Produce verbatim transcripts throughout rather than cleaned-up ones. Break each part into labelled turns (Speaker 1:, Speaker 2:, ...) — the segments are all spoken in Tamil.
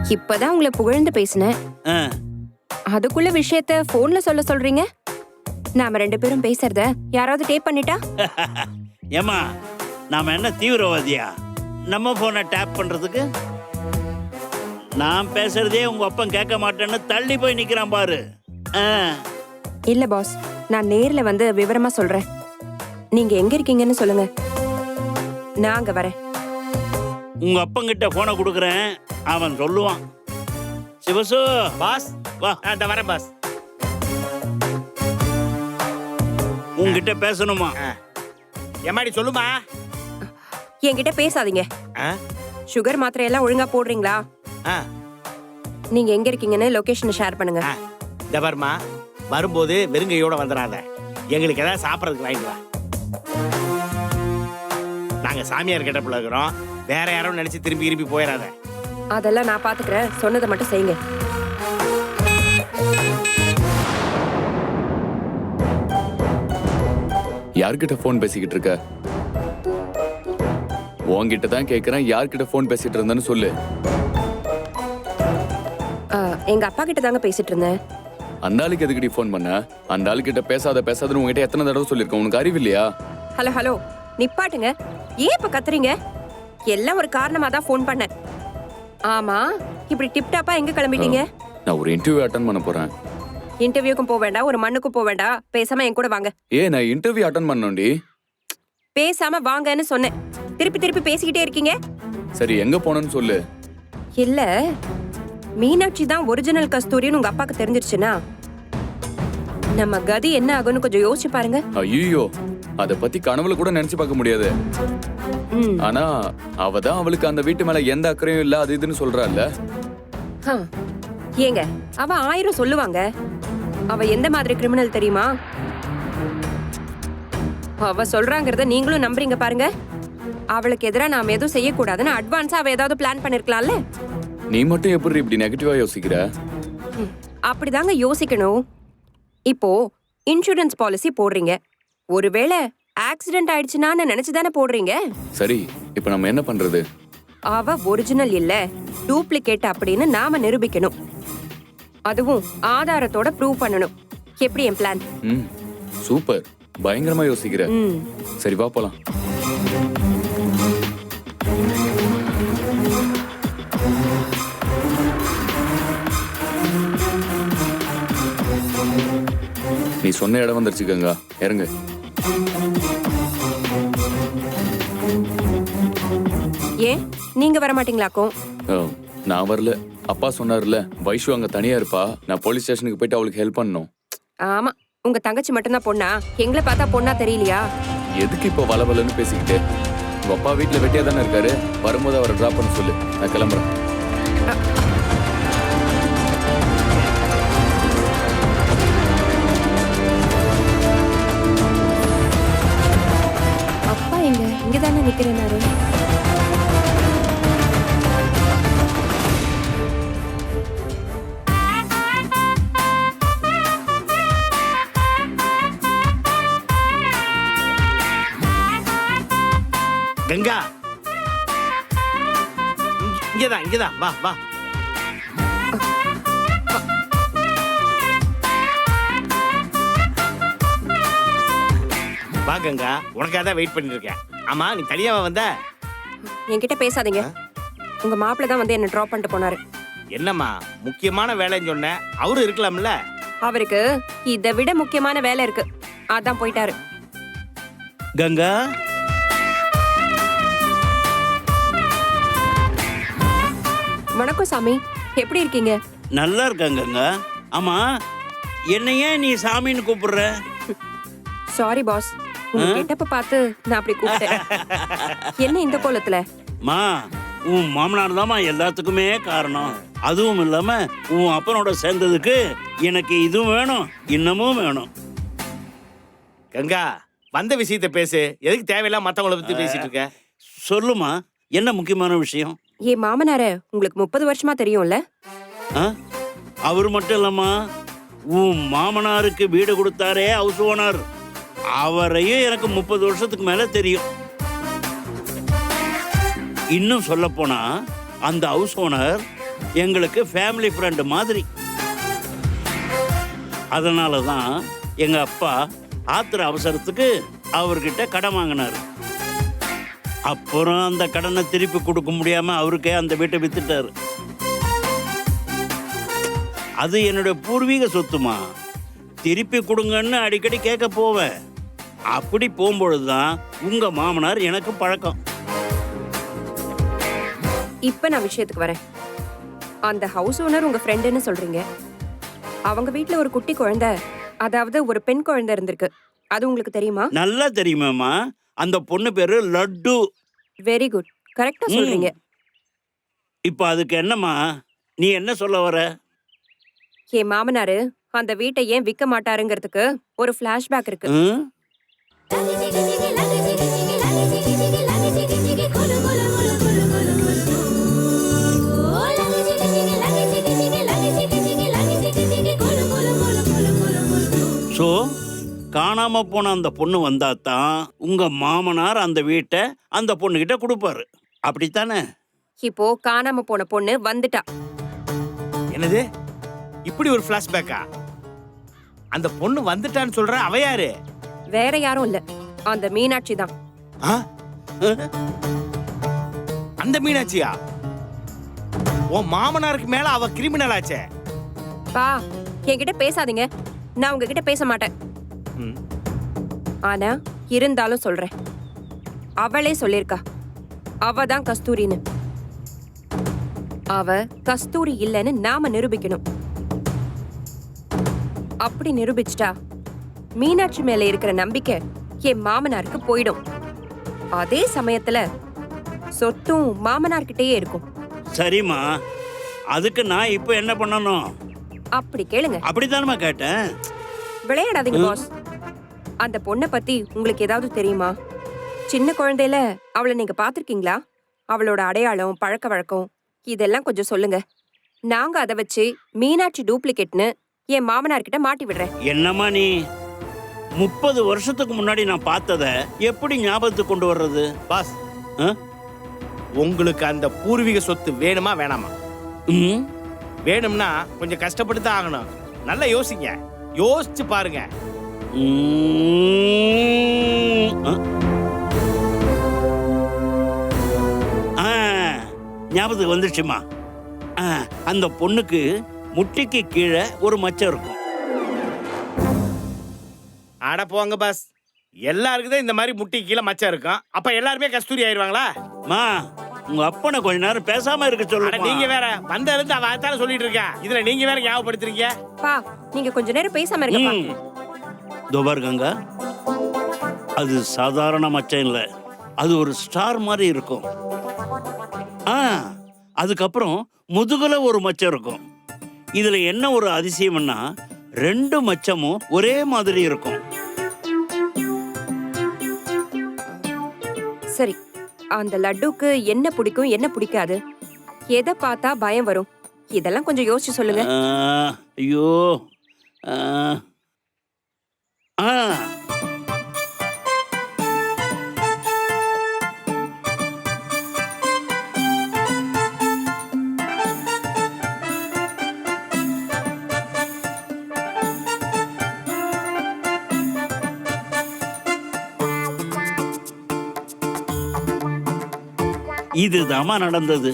Speaker 1: இப்பதான் உங்களை புகழ்ந்து பேசினேன்.
Speaker 2: ஆ,
Speaker 1: அதுக்குள்ள விஷயத்த போன்ல சொல்ல சொல்றீங்க. நாம ரெண்டு பேரும் பேசுறத யாராவது டேப் பண்ணிட்டா?
Speaker 2: ஏம்மா நாம என்ன தீவிரவாதியா நம்ம போனை டேப் பண்றதுக்கு? நான் பேசுறதே உங்க அப்பன் கேட்க மாட்டேன்னு தள்ளி போய் நிக்கிறான் பாரு. ஆ,
Speaker 1: இல்ல பாஸ், நான் நேர்ல வந்து விவரமா சொல்றேன். நீங்க எங்க இருக்கீங்கன்னு சொல்லுங்க, நான் அங்க வரேன்.
Speaker 2: உங்க அப்பங்கிட்ட போனை கொடுக்குறேன், அவன் சொல்லுவான். சிவசு
Speaker 3: பாஸ்
Speaker 2: வா,
Speaker 3: அந்த வரேன் பாஸ்.
Speaker 2: உங்ககிட்ட பேசணுமா?
Speaker 3: எம்மாடி சொல்லுமா.
Speaker 1: என்கிட்ட பேசாதீங்க.
Speaker 3: ஆ?
Speaker 1: சுகர் மாத்திரை எல்லாம் ஒழுங்கா போடுறீங்களா?
Speaker 3: ஆ,
Speaker 1: நீங்க எங்க இருக்கீங்கன்னு லொகேஷனை ஷேர் பண்ணுங்க.
Speaker 3: ஆ. இந்த பாருமா, வரும்போது வெறுங்கையோட வந்துடாத. எங்களுக்கு ஏதாவது சாப்பிட்றதுக்கு வாங்கிட்டு வா. நாங்க சாமியார் கிட்ட இருக்கிறோம், வேற யாரும் நினைச்சு திரும்பி திரும்பி போயிடாத.
Speaker 1: அதெல்லாம் நான் பாத்துக்கிறேன், சொன்னதை மட்டும் செய்யுங்க.
Speaker 4: யார்கிட்ட போன் பேசிக்கிட்டு இருக்க? உன்கிட்ட தான் கேக்குறேன், யார்கிட்ட போன் பேசிட்டு இருந்தேன்னு சொல்லு.
Speaker 1: ஆ, எங்க அப்பா கிட்ட தாங்க பேசிட்டு இருந்தேன்.
Speaker 4: அந்த ஆளுக்கு எதுக்கடி போன் பண்ண? அந்த ஆளுக்கிட்ட பேசாத பேசாதன்னு உங்ககிட்ட எத்தனை தடவை சொல்லிருக்கேன், உனக்கு அறிவு இல்லையா?
Speaker 1: ஹலோ ஹலோ, நிப்பாட்டுங்க. ஏன் இப்ப கத்துறீங்க? எல்லாம் ஒரு காரணமா தான் போன் பண்ணேன். ஆமா, இப்படி டிப்டாப்பா எங்க கிளம்பிட்டீங்க?
Speaker 4: நான் ஒரு இன்டர்வியூ அட்டன் பண்ண போறேன்.
Speaker 1: இன்டர்வியூக்கும் போக வேண்டாம், ஒரு மண்ணுக்கும் போக வேண்டாம், பேசாம என் கூட வாங்க.
Speaker 4: ஏ, நான் இன்டர்வியூ அட்டன் பண்ணோண்டி.
Speaker 1: பேசாம வாங்கன்னு சொன்னேன், திருப்பி திருப்பி பேசிக்கிட்டே இருக்கீங்க.
Speaker 4: சரி, எங்க போனேன்னு சொல்லு.
Speaker 1: இல்ல, மீனாட்சி தான் ஒரிஜினல் கஸ்தூரின்னு உங்க அப்பாக்கு தெரிஞ்சிருச்சுன்னா நம்ம கதி என்ன ஆகும்னு கொஞ்சம் யோசிச்சு பாருங்க.
Speaker 4: ஐயோ, அத பத்தி கனவுல கூட நினைச்சு பார்க்க முடியாது.
Speaker 1: ம்.
Speaker 4: ஆனா அவ தான் அவளுக்கு அந்த வீட்டு மேல எந்த அக்கறையும் இல்ல, அது இதுன்னு சொல்றாள்ல.
Speaker 1: ஆ. ஏங்க, அவ ஆயிரம் சொல்லுவாங்க. அவ எந்த மாதிரி கிரிமினல் தெரியுமா? அவ சொல்றாங்கறத நீங்களும் நம்புறீங்க பாருங்க. அவளுக்கு எதிரா நாம எதுவும் செய்யக்கூடாதுன்னு அட்வான்ஸா அவ ஏதாவது பிளான் பண்ணிருக்கலாம்ல.
Speaker 4: நீ மட்டும் எப்படி இப்படி நெகட்டிவா யோசிக்கிற?
Speaker 1: ம், அப்படிதாங்க யோசிக்கணும். இப்போ இன்சூரன்ஸ் பாலிசி போடுறீங்க, ஒருவேளை ஆக்சிடென்ட் ஆயிடுச்சுனான்னு நினைச்சுதானே போடுறீங்க.
Speaker 4: சரி, இப்ப நம்ம என்ன பண்றது?
Speaker 1: அவ ஒரிஜினல் இல்ல, டூப்ளிகேட் அப்படின்னு நாம நிரூபிக்கணும். அதுவும் ஆதாரத்தோட ப்ரூவ் பண்ணணும். எப்படி என் பிளான்?
Speaker 4: ம், சூப்பர், பயங்கரமா யோசிக்கிற.
Speaker 1: ம்.
Speaker 4: சரி, வா போலாம். நீ சொன்ன இடம் வந்துருச்சு கங்கா, இறங்கு.
Speaker 1: ஏன் நீங்க வர மாட்டீங்களாக்கும்?
Speaker 4: ஓ, நான் வரல. அப்பா சொன்னார்ல, வைஷு அங்க தனியா இருப்பா, நான் போலீஸ் ஸ்டேஷனுக்கு போயிட்டு அவளுக்கு ஹெல்ப் பண்ணணும்.
Speaker 1: ஆமா, உங்க தங்கச்சி மட்டும்தான் பொண்ணா? எங்களை பார்த்தா பொண்ணா தெரியலையா?
Speaker 4: எதுக்கு இப்போ வளவலன்னு பேசிக்கிட்டு? உங்க அப்பா வீட்டுல வெட்டியா தானே இருக்காரு, வரும்போது அவரை டிராப் பண்ண சொல்லு, நான் கிளம்புறேன்.
Speaker 1: அப்பா எங்க? இங்கதானே நிக்கிறேனாரு.
Speaker 3: கங்கா, இங்க- இங்கதான் இங்கதான், வா வா. வா கங்கா, உனக்காக தான் வெயிட் பண்ணிட்டு இருக்கேன். ஆமா, நீ தனியாவா வந்த?
Speaker 1: என்கிட்ட பேசாதீங்க. உங்க மாப்பிள்ள தான் வந்து என்ன டிராப் பண்ணிட்டு போனாரு.
Speaker 3: என்னம்மா முக்கியமான வேலைன்னு சொன்ன, அவரு இருக்கலாம்ல.
Speaker 1: அவருக்கு இதை விட முக்கியமான வேலை இருக்கு, அதான் போயிட்டாரு.
Speaker 2: கங்கா,
Speaker 1: வணக்கம் சாமி, எப்படி இருக்கீங்க?
Speaker 2: நல்லா இருக்காங்க கங்கா. ஆமா, என்ன ஏன் நீ சாமின்னு கூப்பிடுற?
Speaker 1: சாரி பாஸ், உங்க கெட்டப்ப பார்த்து நான் அப்படி கூப்பிட்டேன். என்ன இந்த கோலத்துல?
Speaker 2: மா, உன் மாமனார் தாமா எல்லாத்துக்குமே காரணம். அதுவும் இல்லாம உன் அப்பனோட சேர்ந்ததுக்கு எனக்கு இதுவும் வேணும், இன்னமும் வேணும்.
Speaker 3: கங்கா, வந்த விஷயத்த பேசு, எதுக்கு தேவையில்லாம மத்தவங்கள பத்தி பேசிட்டு இருக்க?
Speaker 2: சொல்லுமா, என்ன முக்கியமான விஷயம்?
Speaker 1: என் மாமனார உங்களுக்கு முப்பது வருஷமா தெரியும்ல?
Speaker 2: ஆ? அவர் மட்டும் இல்லம்மா, உன் மாமனாருக்கு வீடு கொடுத்தாரே ஹவுஸ் ஓனர், அவரையும் எனக்கு முப்பது வருஷத்துக்கு மேல தெரியும். இன்னும் சொல்ல போனா அந்த ஹவுஸ் ஓனர் எங்களுக்கு ஃபேமிலி ஃப்ரெண்டு மாதிரி. அதனால தான் எங்க அப்பா ஆத்திர அவசரத்துக்கு அவர்கிட்ட கடன் வாங்கினார். அப்புறம் அந்த கடனை திருப்பி கொடுக்க முடியாம அவருக்கே அந்த வீட்டை வித்துட்டாரு. அது என்னுடைய பூர்வீக சொத்துமா, திருப்பி கொடுங்கன்னு அடிக்கடி கேட்க போவேன். அப்படி போகும்பொழுதுதான் உங்க மாமனார் எனக்கு பழக்கம்.
Speaker 1: இப்ப நான் விஷயத்துக்கு வரேன். அந்த ஹவுஸ் ஓனர் உங்க ஃப்ரெண்டுன்னு சொல்றீங்க. அவங்க வீட்ல ஒரு குட்டி குழந்தை, அதாவது ஒரு பெண் குழந்தை இருந்திருக்கு. அது உங்களுக்கு தெரியுமா?
Speaker 2: நல்லா தெரியுமாம்மா. அந்த பொண்ணு பேரு லட்டு.
Speaker 1: வெரி குட், கரெக்டா சொல்றீங்க.
Speaker 2: இப்போ அதுக்கு என்னம்மா, நீ என்ன சொல்ல வர?
Speaker 1: என் மாமனாரு அந்த வீட்டை ஏன் விற்க மாட்டாருங்கிறதுக்கு ஒரு ஃபிளாஷ்பேக் இருக்கு.
Speaker 2: ம்? ஸோ காணாம போன அந்த பொண்ணு வந்தாதான் உங்க மாமனார் அந்த வீட்டை அந்த பொண்ணுகிட்ட கொடுப்பாரு, அப்படித்தானே?
Speaker 1: இப்போ காணாம போன பொண்ணு வந்துட்டா.
Speaker 3: என்னது இப்படி ஒரு பிளாஷ்பேக்கா? அந்த பொண்ணு வந்துட்டான்னு சொல்ற, அவ யாரு?
Speaker 1: வேற யாரும் இல்ல, அந்த மீனாட்சி தான்.
Speaker 3: ஆ? அந்த மீனாட்சியா? உன் மாமனாருக்கு மேல அவ கிரிமினல் ஆச்சே.
Speaker 1: பா, என்கிட்ட பேசாதீங்க. நான் உங்ககிட்ட பேச மாட்டேன்.
Speaker 3: ம்.
Speaker 1: ஆனா இருந்தாலும் சொல்றேன். அவளே சொல்லிருக்கா அவ தான் கஸ்தூரின்னு. அவ கஸ்தூரி இல்லைன்னு நாம நிரூபிக்கணும். அப்படி நிரூபிச்சிட்டா மீனாட்சி மேல இருக்கிற நம்பிக்கை என் மாமனாருக்கு போயிடும். அதே சமயத்துல சொத்தும் மாமனார்கிட்டயே இருக்கும்.
Speaker 2: சரிம்மா, அதுக்கு நான் இப்போ என்ன பண்ணணும்?
Speaker 1: அப்படி கேளுங்க.
Speaker 2: அப்படித்தானம்மா கேட்டேன்.
Speaker 1: விளையாடாதீங்க பாஸ். அந்த பொண்ணை பத்தி உங்களுக்கு ஏதாவது தெரியுமா? சின்ன குழந்தையில அவளை நீங்க பாத்திருக்கீங்களா? அவளோட அடையாளம், பழக்க வழக்கம் இதெல்லாம் கொஞ்சம் சொல்லுங்க. நாங்க அதை வச்சு மீனாட்சி டூப்ளிகேட்னு என் மாமனார் கிட்ட மாட்டி விடுறேன்.
Speaker 2: என்னம்மா நீ, முப்பது வருஷத்துக்கு முன்னாடி நான் பார்த்தத எப்படி ஞாபகத்துக்கு கொண்டு வர்றது?
Speaker 3: பாஸ்,
Speaker 2: ஆ?
Speaker 3: உங்களுக்கு அந்த பூர்வீக சொத்து வேணுமா வேணாமா?
Speaker 2: ம்?
Speaker 3: வேணும்னா கொஞ்சம் கஷ்டப்பட்டு தான் ஆகணும். நல்லா யோசிங்க, யோசிச்சு பாருங்க.
Speaker 2: ம். ஆ? ஆ, ஞாபகத்துக்கு வந்துருச்சுமா. ஆ, அந்த பொண்ணுக்கு முட்டிக்கு கீழே ஒரு மச்சம் இருக்கும்.
Speaker 3: அட போங்க பாஸ், எல்லாருக்கும் தான் இந்த மாதிரி முட்டி கீழே மச்சம் இருக்கும். அப்ப எல்லாருமே கஸ்தூரி ஆயிருவாங்களா?
Speaker 2: மா, உங்க அப்பனை கொஞ்ச நேரம் பேசாம இருக்க
Speaker 3: அட
Speaker 2: சொல்லுங்க.
Speaker 3: நீங்க வேற, வந்த இருந்து அவ அதான சொல்லிட்டு இருக்கா. இதுல நீங்க வேற ஞாபகப்படுத்துறீங்க.
Speaker 1: பா, நீங்க கொஞ்ச நேரம் பேசாம இருங்கப்பா.
Speaker 2: துபார் கங்கா, அது சாதாரண மச்சம் இல்ல, அது ஒரு ஸ்டார் மாதிரி இருக்கும். ஆ, அதுக்கப்புறம் முதுகுல ஒரு மச்சம் இருக்கும். இதுல என்ன ஒரு அதிசயம்னா, ரெண்டு மச்சமும் ஒரே மாதிரி இருக்கும்.
Speaker 1: சரி, அந்த லட்டுக்கு என்ன பிடிக்கும், என்ன பிடிக்காது, எதை பார்த்தா பயம் வரும், இதெல்லாம் கொஞ்சம் யோசிச்சு சொல்லுங்க.
Speaker 2: ஆ, ஐயோ. ஆ. ஆ. இதுதாம்மா நடந்தது.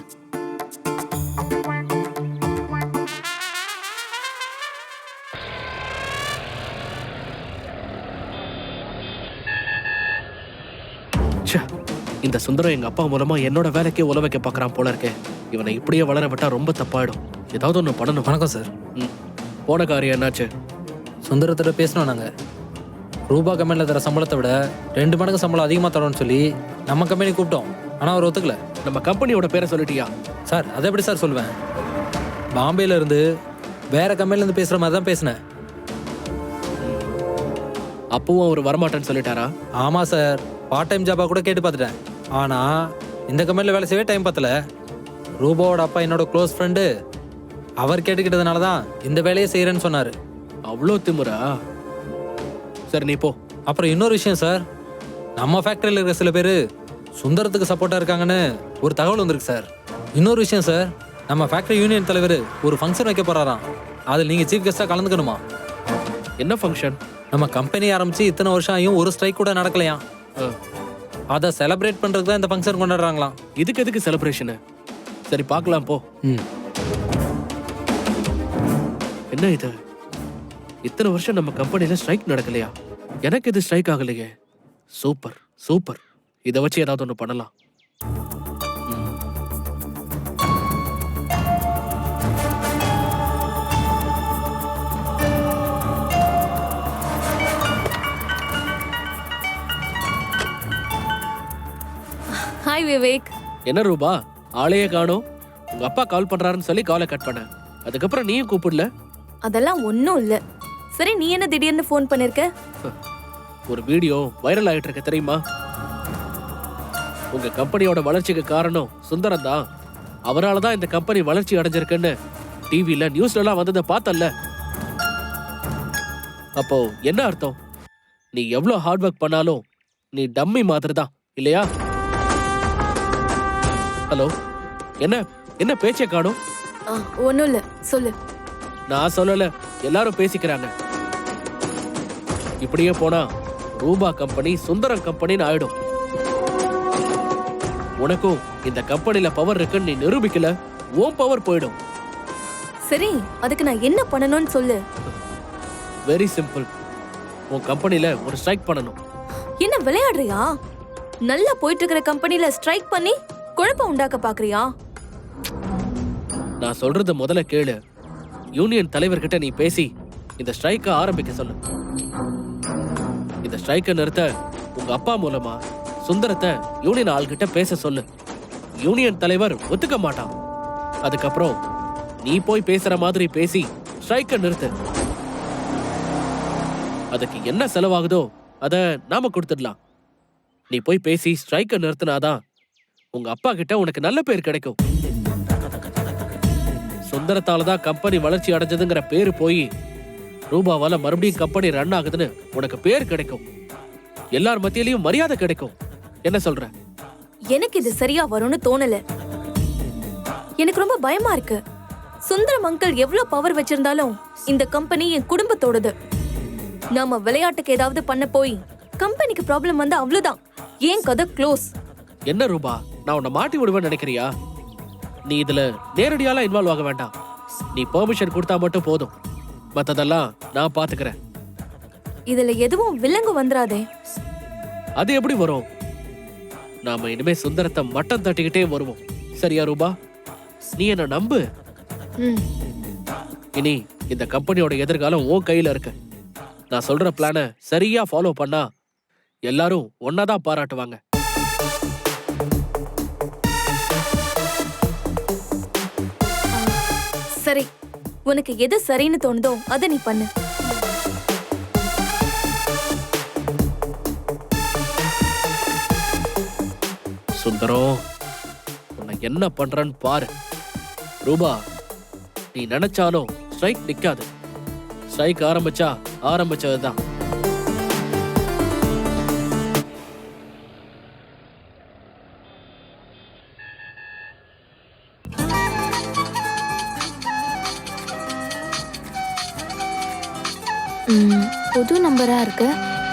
Speaker 5: ச்சே, இந்த சுந்தரம் எங்க அப்பா மூலமா என்னோட வேலைக்கே உல வைக்க பாக்குறான் போல இருக்கே. இவனை இப்படியே வளர விட்டா ரொம்ப தப்பாயிடும். ஏதாவது ஒண்ணு பண்ணணும்.
Speaker 6: வணக்கம் சார்.
Speaker 5: ம். போன காரியம் என்னாச்சு?
Speaker 6: சுந்தரத்திட்ட பேசணும். நாங்கள் ரூபா கம்பெனியில் தர சம்பளத்தை விட ரெண்டு மடங்கு சம்பளம் அதிகமாக தரோன்னு சொல்லி நம்ம கம்பெனி கூப்பிட்டோம். ஆனால் அவர் ஒத்துக்கல.
Speaker 5: நம்ம கம்பெனியோட பேரை சொல்லிட்டியா?
Speaker 6: சார் அதை எப்படி சார் சொல்லுவேன்? பாம்பேல இருந்து வேற கம்பெனிலேருந்து பேசுகிற மாதிரி தான் பேசினேன்.
Speaker 5: அப்பவும் அவர் வரமாட்டேன்னு சொல்லிட்டாரா?
Speaker 6: ஆமாம் சார், பார்ட் டைம் ஜாபாக கூட கேட்டு பார்த்துட்டேன். ஆனால் இந்த கம்பெனியில் வேலை செய்யவே டைம் பத்தல. ரூபாவோட அப்பா என்னோட க்ளோஸ் ஃப்ரெண்டு, அவர் கேட்டுக்கிட்டதுனால தான் இந்த வேலையை செய்கிறேன்னு சொன்னார்.
Speaker 5: அவ்வளோ திமுறா? சரி, நீ போ.
Speaker 6: அப்புறம் இன்னொரு விஷயம் சார், நம்ம ஃபேக்டரியில் இருக்கிற சில பேர் சுந்தரத்துக்கு சப்போர்ட்டாக இருக்காங்கன்னு ஒரு தகவல் வந்திருக்கு சார். இன்னொரு விஷயம் சார், நம்ம ஃபேக்டரி யூனியன் தலைவர் ஒரு ஃபங்க்ஷன் வைக்க போறாராம். அதில் நீங்கள் சீஃப் கெஸ்ட்டாக கலந்துக்கணுமா?
Speaker 5: என்ன ஃபங்க்ஷன்?
Speaker 6: நம்ம கம்பெனி ஆரம்பிச்சு இத்தனை வருஷம் ஆகியும் ஒரு ஸ்ட்ரைக் கூட நடக்கலையாம். அதை செலிப்ரேட் பண்ணுறதுக்கு தான் இந்த ஃபங்க்ஷன் கொண்டாடுறாங்களாம்.
Speaker 5: இதுக்கு எதுக்கு செலிப்ரேஷனு? சரி பார்க்கலாம் போ.
Speaker 6: ம்
Speaker 5: என்ன இது, இத்தனை வருஷம் நம்ம கம்பெனில ஸ்ட்ரைக் நடக்கலையா? எனக்கு இது ஸ்ட்ரைக் ஆகலையே. சூப்பர் சூப்பர், இதை வச்சு ஏதாவது ஒன்று பண்ணலாம்.
Speaker 7: ஹாய் விவேக்.
Speaker 5: என்ன ரூபா, ஆளையே காணோம். உங்க அப்பா கால் பண்றாருன்னு சொல்லி காலை கட் பண்ண, அதுக்கப்புறம் நீயும் கூப்பிடல.
Speaker 7: அதெல்லாம் ஒன்றும் இல்லை. சரி, நீ என்ன திடீர்னு ஃபோன் பண்ணிருக்க?
Speaker 5: ஒரு வீடியோ வைரல் ஆயிட்டு இருக்க தெரியுமா? உங்க கம்பெனியோட வளர்ச்சிக்கு காரணம் சுந்தரம் தான். அவரால் தான் இந்த கம்பெனி வளர்ச்சி அடைஞ்சிருக்குன்னு டிவில நியூஸ்ல எல்லாம் வந்ததை பார்த்தல்ல. அப்போ என்ன அர்த்தம்? நீ எவ்வளவு ஹார்ட் ஒர்க் பண்ணாலும் நீ டம்மி மாதிரி தான், இல்லையா? ஹலோ, என்ன என்ன பேச்சை காணும்?
Speaker 7: ஒன்றும் இல்லை, சொல்லு.
Speaker 5: நான் சொல்லல, எல்லாரும் பேசிக்கிறாங்க. இப்படியே போனா ரூபா கம்பெனி சுந்தரம் கம்பெனின்னு ஆயிடும். உனக்கும் இந்த கம்பெனில பவர் இருக்குன்னு நீ நிரூபிக்கல, உன் பவர் போயிடும்.
Speaker 7: சரி, அதுக்கு நான் என்ன பண்ணணும்னு சொல்லு.
Speaker 5: Very simple. உன் கம்பெனில ஒரு ஸ்ட்ரைக் பண்ணணும்.
Speaker 7: என்ன விளையாடுறியா? நல்லா போயிட்டு இருக்கிற கம்பெனில ஸ்ட்ரைக் பண்ணி குழப்பம் உண்டாக்க பாக்குறியா?
Speaker 5: நான் சொல்றது முதல்ல கேளு. யூனியன் தலைவர்கிட்ட நீ பேசி இந்த ஸ்ட்ரைக்க ஆரம்பிக்க சொல்லு. இந்த ஸ்ட்ரைக்க நிறுத்த உங்க அப்பா மூலமா சுந்தரத்தை யூனியன் ஆள்கிட்ட பேச சொல்லு. யூனியன் தலைவர் ஒத்துக்க மாட்டான். அதுக்கப்புறம் நீ போய் பேசுற மாதிரி பேசி ஸ்ட்ரைக்க நிறுத்து. அதுக்கு என்ன செலவாகுதோ அத நாம கொடுத்துடலாம். நீ போய் பேசி ஸ்ட்ரைக்க நிறுத்தினாதான் உங்க அப்பா கிட்ட உனக்கு நல்ல பேர் கிடைக்கும். சுந்தரத்தாலதான் கம்பெனி வளர்ச்சி அடைஞ்சதுங்கிற பேரு போய் ரூபாவால மறுபடியும் கம்பெனி ரன் ஆகுதுன்னு உனக்கு பேர் கிடைக்கும். எல்லார் மத்தியிலையும் மரியாதை கிடைக்கும். என்ன சொல்ற?
Speaker 7: எனக்கு இது சரியா வரும்னு தோணல. எனக்கு ரொம்ப பயமா இருக்கு. சுந்தரம் அங்கிள் எவ்வளவு பவர் வச்சிருந்தாலும் இந்த கம்பெனி என் குடும்பத்தோடது. நாம விளையாட்டுக்கு ஏதாவது பண்ண போய் கம்பெனிக்கு ப்ராப்ளம் வந்து அவ்வளவுதான், ஏன் கதை க்ளோஸ்.
Speaker 5: என்ன ரூபா, நான் உன்னை மாட்டி விடுவேன்னு நினைக்கிறியா? நீ இதுல நேரடியாலாம் இன்வால்வ் ஆக வேண்டாம். நீ பெர்மிஷன் கொடுத்தா மட்டும் போதும். மத்ததெல்லாம் நான் பாத்துக்கிறேன்.
Speaker 7: இதுல எதுவும் வில்லங்கு வந்துராதே.
Speaker 5: அது எப்படி வரும்? நாம இனிமே சுந்தரத்தை மட்டம் தட்டிக்கிட்டே வருவோம். சரியா ரூபா? நீ என்ன நம்பு.
Speaker 7: ம்.
Speaker 5: இனி இந்த கம்பெனியோட எதிர்காலம் உன் கையில இருக்கு. நான் சொல்ற பிளான சரியா ஃபாலோ பண்ணா எல்லாரும் ஒன்னாதான் பாராட்டுவாங்க.
Speaker 7: சரி, உனக்கு எது சரின்னு தோணுதோ அதை நீ பண்ணு.
Speaker 5: சுந்தரம், உன்னை என்ன பண்றன்னு பாரு. ரூபா, நீ நினைச்சாலும் ஸ்ட்ரைக் நிக்காது. ஸ்ட்ரைக் ஆரம்பிச்சா ஆரம்பிச்சதுதான்.
Speaker 8: புது நம்பரா இருக்கு.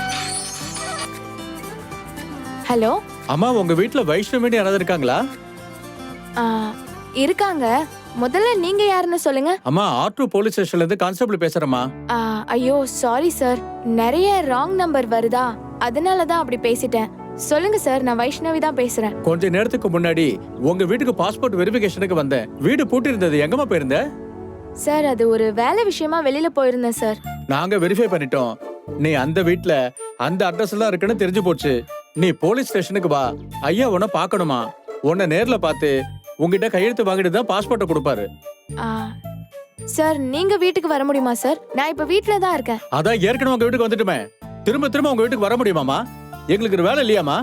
Speaker 8: ஹலோ
Speaker 9: அம்மா, உங்க வீட்ல வைஷ்ணவின்னு யாராவது இருக்காங்களா?
Speaker 8: ஆ, இருக்காங்க. முதல்ல நீங்க யாருன்னு சொல்லுங்க.
Speaker 9: அம்மா, ஆர்டூ போலீஸ் ஸ்டேஷன்ல இருந்து கான்ஸ்டபிள் பேசுறேம்மா.
Speaker 8: ஆ, ஐயோ சாரி சார், நிறைய ராங் நம்பர் வருதா, அதனால தான் அப்படி பேசிட்டேன். சொல்லுங்க சார், நான் வைஷ்ணவி தான் பேசுறேன்.
Speaker 9: கொஞ்ச நேரத்துக்கு முன்னாடி உங்க வீட்டுக்கு பாஸ்போர்ட் வெரிஃபிகேஷனுக்கு வந்தேன். வீடு பூட்டி இருந்தது. எங்கம்மா போயிருந்த?
Speaker 8: சார், அது ஒரு வேலை விஷயமா வெளியில போயிருந்தேன் சார்.
Speaker 9: நாங்க வெரிஃபை பண்ணிட்டோம். நீ அந்த வீட்ல அந்த அட்ரஸ்ல தான் இருக்குன்னு தெரிஞ்சு போச்சு. நீ போலீஸ் ஸ்டேஷனுக்கு வா. ஐயா உன்னை பார்க்கணுமா? உன்னை நேர்ல பார்த்து உங்ககிட்ட கையெழுத்து வாங்கிட்டு தான் பாஸ்போர்ட்டை கொடுப்பாரு.
Speaker 8: ஆ, சார் நீங்க வீட்டுக்கு வர முடியுமா சார்? நான் இப்ப வீட்ல தான் இருக்கேன்.
Speaker 9: அதான் ஏற்கனவே உங்க வீட்டுக்கு வந்துட்டுமே. திரும்ப திரும்ப உங்க வீட்டுக்கு வர முடியுமாமா? எங்களுக்கு ஒரு வேலை இல்லையாமா?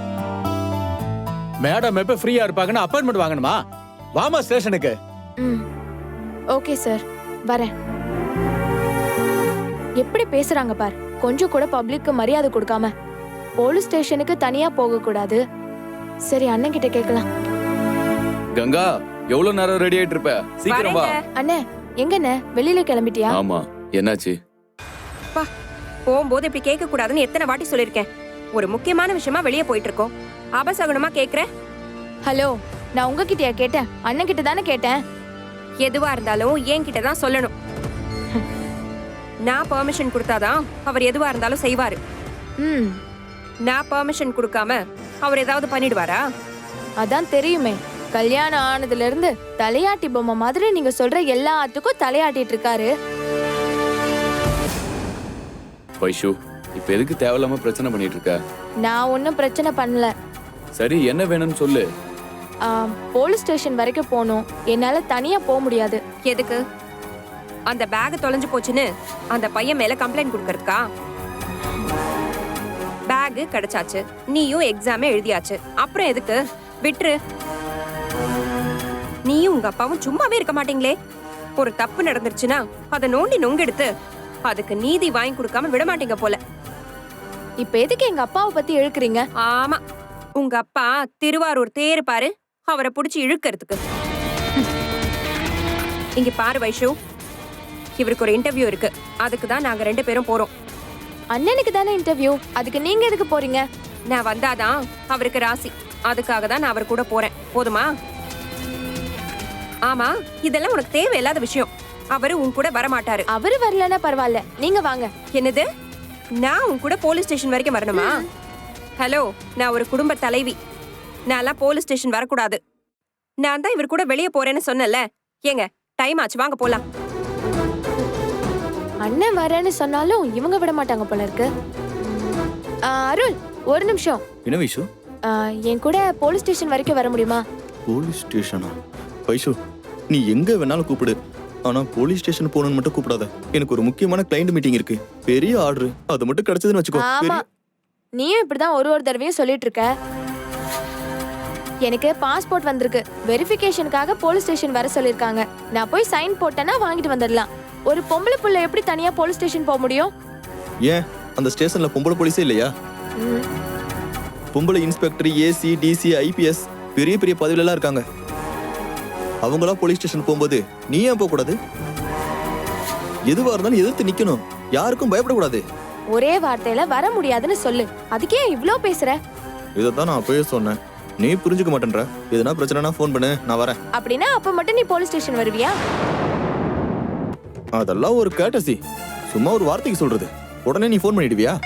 Speaker 9: மேடம் எப்ப ஃப்ரீயா இருப்பாங்கன்னு அப்பாயின்மெண்ட் வாங்கணுமா? வாமா ஸ்டேஷனுக்கு.
Speaker 8: ம், ஓகே சார், வரேன். எப்படி பேசுறாங்க பார். கொஞ்சம் கூட பப்ளிக்கு மரியாதை கொடுக்காம. போலீஸ் ஸ்டேஷனுக்கு தனியா போக கூடாது. சரி, அண்ணன் கிட்ட கேட்கலாம்.
Speaker 10: கங்கா,
Speaker 4: எவ்வளவு நேரம் ரெடி ஆயிட்டு இருப்ப? சீக்கிரம் வா.
Speaker 1: வரேங்க.
Speaker 8: அண்ணே எங்கண்ணே வெளியில கிளம்பிட்டியா?
Speaker 4: ஆமா, என்னாச்சு?
Speaker 1: பா போகும்போது இப்படி கேட்க கூடாதுன்னு எத்தனை வாட்டி சொல்லிருக்கேன். ஒரு முக்கியமான விஷயமா வெளியே போயிட்டு இருக்கோம். அபசகுனமா கேக்குற?
Speaker 8: ஹலோ, நான் உங்ககிட்டயா கேட்டேன்? அண்ணன் கிட்ட தானே கேட்டேன்.
Speaker 1: எதுவா இருந்தாலும் என்கிட்ட தான் சொல்லணும். நான் பெர்மிஷன் கொடுத்தாதான் அவர் எதுவா இருந்தாலும் செய்வாரு.
Speaker 8: ம்
Speaker 1: நான் பெர்மிஷன் கொடுக்காம அவர் ஏதாவது பண்ணிடுவாரா?
Speaker 8: அதான் தெரியுமே, கல்யாணம் ஆனதுல இருந்து தலையாட்டி பொம்மை மாதிரி நீங்க சொல்ற எல்லாத்துக்கும் தலையாட்டிட்டு இருக்காரு.
Speaker 4: வைஷு, இப்ப எதுக்கு தேவையில்லாம பிரச்சனை பண்ணிட்டு இருக்க?
Speaker 8: நான் ஒன்னும் பிரச்சனை பண்ணல.
Speaker 4: சரி, என்ன வேணும்னு சொல்லு.
Speaker 8: ஆம், போலீஸ் ஸ்டேஷன் வரைக்கும் போகணும். என்னால தனியா போக முடியாது.
Speaker 1: எதுக்கு? அந்த பேக் தொலைஞ்சு போச்சுன்னு அந்த பையன் மேல கம்ப்ளைண்ட் கொடுக்கறதுக்கா? பேக் கிடைச்சாச்சு, நீயும் எக்ஸாமே எழுதியாச்சு, அப்புறம் எதுக்கு? விட்டுரு. நீயும் உங்க அப்பாவும் சும்மாவே இருக்க மாட்டீங்களே. ஒரு தப்பு நடந்துருச்சுன்னா அதை நோண்டி நொங்கெடுத்து அதுக்கு நீதி வாங்கி கொடுக்காம விட மாட்டீங்க போல.
Speaker 8: இப்ப எதுக்கு எங்க அப்பாவை பத்தி இழுக்கிறீங்க?
Speaker 1: ஆமா, உங்க அப்பா திருவாரூர் தேரு பாரு, அவரை புடிச்சு இழுக்கிறதுக்கு. இங்க பாரு வைஷு, இவருக்கு ஒரு இன்டர்வியூ இருக்கு. அதுக்கு தான் நாங்க ரெண்டு பேரும் போறோம்.
Speaker 8: அண்ணனுக்கு தானே இன்டர்வியூ, அதுக்கு நீங்க எதுக்கு போறீங்க?
Speaker 1: நான் வந்தாதான் அவருக்கு ராசி, அதுக்காக தான் நான் அவர் கூட போறேன். போதுமா? ஆமா, இதெல்லாம் உனக்கு தேவையில்லாத விஷயம். அவரு உன் கூட வர மாட்டாரு.
Speaker 8: அவரு வரலன்னா பரவாயில்ல, நீங்க வாங்க.
Speaker 1: என்னது? நான் உன் கூட போலீஸ் ஸ்டேஷன் வரைக்கும் வரணுமா? ஹலோ, நான் ஒரு குடும்ப தலைவி. நான்லாம் போலீஸ் ஸ்டேஷன் வரக்கூடாது. நான் தான் இவர் கூட வெளியே போறேன்னு சொன்னல. ஏங்க, டைம் ஆச்சு, வாங்க போலாம்.
Speaker 8: அண்ணன் வரேன்னு சொன்னாலும் இவங்க விட மாட்டாங்க போல இருக்கு. ஆ, அருள் ஒரு நிமிஷம்.
Speaker 10: என்ன வைஷு?
Speaker 8: ஆ, என் கூட போலீஸ் ஸ்டேஷன் வரைக்கும் வர முடியுமா?
Speaker 10: போலீஸ் ஸ்டேஷனா? வைஷு, நீ எங்க வேணாலும் கூப்பிடு, ஆனா போலீஸ் ஸ்டேஷன் போகணும்னு மட்டும் கூப்பிடாத. எனக்கு ஒரு முக்கியமான கிளைண்ட் மீட்டிங் இருக்கு, பெரிய ஆர்டர், அது மட்டும் கிடைச்சதுன்னு வச்சுக்கோ.
Speaker 8: ஆமா,
Speaker 10: பெரிய-
Speaker 8: நீயும் இப்படிதான் ஒரு ஒரு தடவையும் சொல்லிட்டு இருக்க. எனக்கு பாஸ்போர்ட் வந்திருக்கு, வெரிஃபிகேஷனுக்காக போலீஸ் ஸ்டேஷன் வர சொல்லிருக்காங்க. நான் போய் சைன் போட்டேன்னா வாங்கிட்டு வந்துடலாம். ஒரு பொம்பளை புள்ள எப்படி தனியா போலீஸ் ஸ்டேஷன் போக முடியும்?
Speaker 10: ஏன் அந்த ஸ்டேஷன்ல பொம்பளை போலீஸே இல்லையா?
Speaker 8: ம்,
Speaker 10: பொம்பளை இன்ஸ்பெக்டர், ஏசி, டிசி, ஐபிஎஸ் பெரிய பெரிய பதவியில எல்லாம் இருக்காங்க. அவங்களா போலீஸ் ஸ்டேஷன் போகும்போது நீ ஏன் போக கூடாது? எதுவா இருந்தாலும் எதிர்த்து நிக்கணும், யாருக்கும் பயப்படக்கூடாது.
Speaker 8: ஒரே வார்த்தையில வர முடியாதுன்னு சொல்லு, அதுக்கே இவ்ளோ பேசுற?
Speaker 10: இதைத்தான் நான் அப்பவே சொன்னேன், நீ புரிஞ்சுக்க மாட்டேன்ற. எதுனா பிரச்சனைனா ஃபோன் பண்ணு, நான் வரேன்.
Speaker 8: அப்படின்னா அப்ப மட்டும் நீ போலீஸ் ஸ்டேஷன் வருவியா?
Speaker 10: அதெல்லாம் ஒரு கேட்டசி, சும்மா ஒரு வார்த்தைக்கு சொல்றது. உடனே நீ ஃபோன் பண்ணிடுவியா?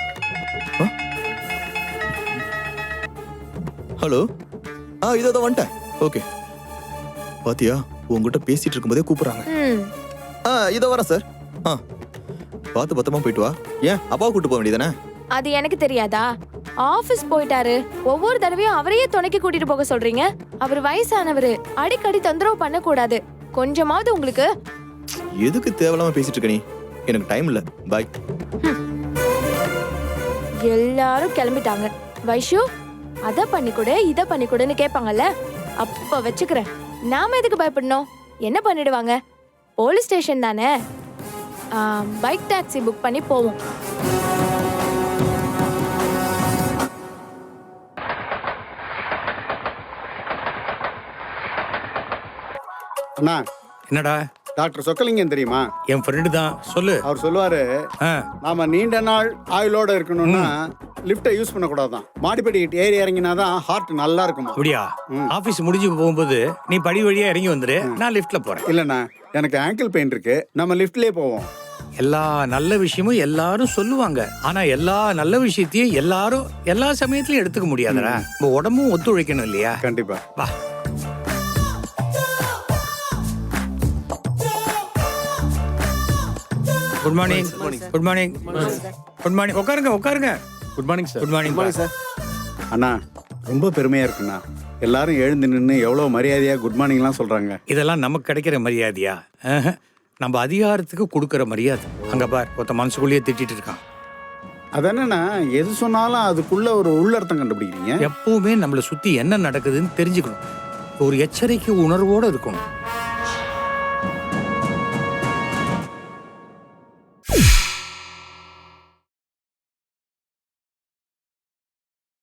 Speaker 10: ஹலோ, ஆ இதோ இதோ வந்துட்டேன். ஓகே, பாத்தியா உங்ககிட்ட பேசிட்டு இருக்கும்போதே கூப்பிடுறாங்க.
Speaker 8: ம்,
Speaker 10: ஆ இதோ வரேன் சார். ஆ பார்த்து பத்திரமா போயிட்டு வா. ஏன் அப்பாவை கூட்டு போக வேண்டியதானே?
Speaker 8: அது எனக்கு தெரியாதா? ஆபீஸ் போயிட்டாரு, ஒவ்வொரு தடவையும் அவரையே துணைக்கு கூட்டிட்டு போக சொல்றீங்க. அவர் வயசானவரு, அடிக்கடி தொந்தரவு பண்ண கூடாது. கொஞ்சமாவது உங்களுக்கு.
Speaker 10: எதுக்கு தேவையில்லாம பேசிட்டு இருக்க நீ? எனக்கு டைம் இல்ல, பாய்.
Speaker 8: எல்லாரும் கிளம்பிட்டாங்க. வைஷு, அத பண்ணி கொடு, இத பண்ணி கொடுன்னு கேட்பாங்கல்ல, அப்ப வச்சுக்கிறேன். நாம எதுக்கு பயப்படணும்? என்ன பண்ணிடுவாங்க? போலீஸ் ஸ்டேஷன் தானே. பைக் டாக்ஸி புக் பண்ணி போவோம்.
Speaker 11: அண்ணா,
Speaker 3: என்னடா?
Speaker 11: டாக்டர் சொக்கலிங்கம் தெரியுமா?
Speaker 3: என் ஃப்ரெண்டு தான், சொல்லு.
Speaker 11: அவர் சொல்லுவாரு,
Speaker 3: ஆ,
Speaker 11: நாம நீண்ட நாள் ஆயுளோட இருக்கணும்னா லிஃப்ட்டை யூஸ் பண்ணக்கூடாதான், மாடிப்படி ஏறி இறங்கினாதான் ஹார்ட் நல்லா இருக்குமா.
Speaker 3: அப்படியா?
Speaker 11: ம்.
Speaker 3: ஆபீஸ் முடிஞ்சு போகும்போது நீ படி வழியா இறங்கி வந்துரு, நான் லிஃப்ட்ல போறேன்.
Speaker 11: இல்லண்ணா, எனக்கு ஆங்கிள் பெயின் இருக்கு, நம்ம லிஃப்ட்லயே போவோம்.
Speaker 3: எல்லா நல்ல விஷயமும் எல்லாரும் சொல்லுவாங்க, ஆனா எல்லா நல்ல விஷயத்தையும் எல்லாரும் எல்லா சமயத்திலயும் எடுத்துக்க முடியாதுடா. நம்ம உடம்பும் ஒத்துழைக்கணும் இல்லையா?
Speaker 11: கண்டிப்பா.
Speaker 3: வா. Good morning. Good morning. Good morning. உட்காருங்க உட்காருங்க.
Speaker 9: Good morning sir.
Speaker 3: Good morning sir.
Speaker 11: அண்ணா, ரொம்ப பெருமையா இருக்குண்ணா. எல்லாரும் எழுந்து நின்று எவ்வளவு மரியாதையா குட் மார்னிங்லாம் சொல்றாங்க.
Speaker 3: இதெல்லாம் நமக்கு கிடைக்கிற மரியாதையா? ஆஹா. நம்ம அதிகாரத்துக்கு கொடுக்கிற மரியாதை. அங்க பார், ஒருத்த மனசுக்குள்ளேயே திட்டிட்டு இருக்கான்.
Speaker 11: அதென்னா எது சொன்னாலும் அதுக்குள்ள ஒரு உள்ளர்த்தம் கண்டுபிடிக்கிறீங்க.
Speaker 3: எப்பவுமே நம்மளை சுத்தி என்ன நடக்குதுன்னு தெரிஞ்சுக்கணும், ஒரு எச்சரிக்கை உணர்வோட இருக்கணும்.